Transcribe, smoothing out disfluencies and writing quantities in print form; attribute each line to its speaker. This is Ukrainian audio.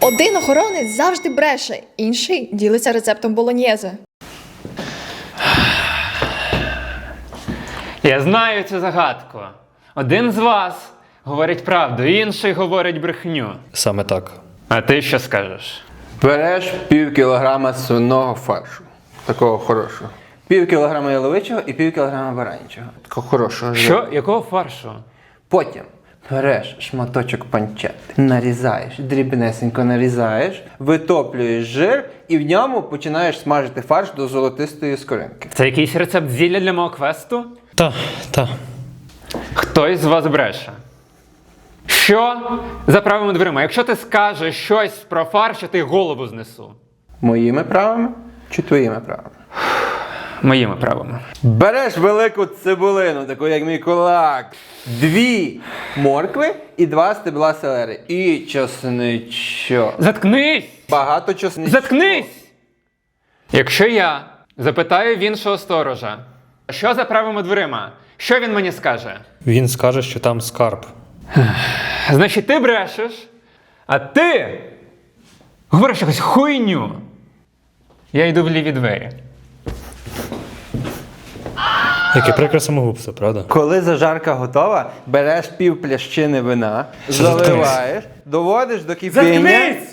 Speaker 1: Один охоронець завжди бреше, інший ділиться рецептом болоньєзе.
Speaker 2: Я знаю цю загадку. Один з вас говорить правду, інший говорить брехню.
Speaker 3: Саме так.
Speaker 2: А ти що скажеш?
Speaker 4: Береш пів кілограма свиного фаршу. Такого хорошого. Пів кілограма яловичого і пів кілограма баранячого. Такого хорошого.
Speaker 2: Що? Якого фаршу?
Speaker 4: Потім береш шматочок панчети, нарізаєш, дрібнесенько нарізаєш, витоплюєш жир і в ньому починаєш смажити фарш до золотистої скоринки.
Speaker 2: Це якийсь рецепт зілля для мого квесту?
Speaker 3: Та.
Speaker 2: Хтось з вас бреше. Що за правими дверима? Якщо ти скажеш щось про фарш, я ти голову знесу.
Speaker 4: Моїми правами чи твоїми правами?
Speaker 2: Моїми правами.
Speaker 4: Береш велику цибулину, таку як мій кулак, 2 моркви і 2 стебла селери. І чесничок.
Speaker 2: Заткнись!
Speaker 4: Багато чесничку.
Speaker 2: Заткнись! Якщо я запитаю в іншого сторожа, що за правими дверима, що він мені скаже?
Speaker 3: Він скаже, що там скарб.
Speaker 2: Значить, ти брешеш, а ти говориш якусь хуйню. Я йду в ліві двері.
Speaker 3: Яке прикре самогубство, правда?
Speaker 4: Коли зажарка готова, береш пів плящини вина,
Speaker 3: Що за
Speaker 4: заливаєш, доводиш до кипіння.
Speaker 2: Заткнись!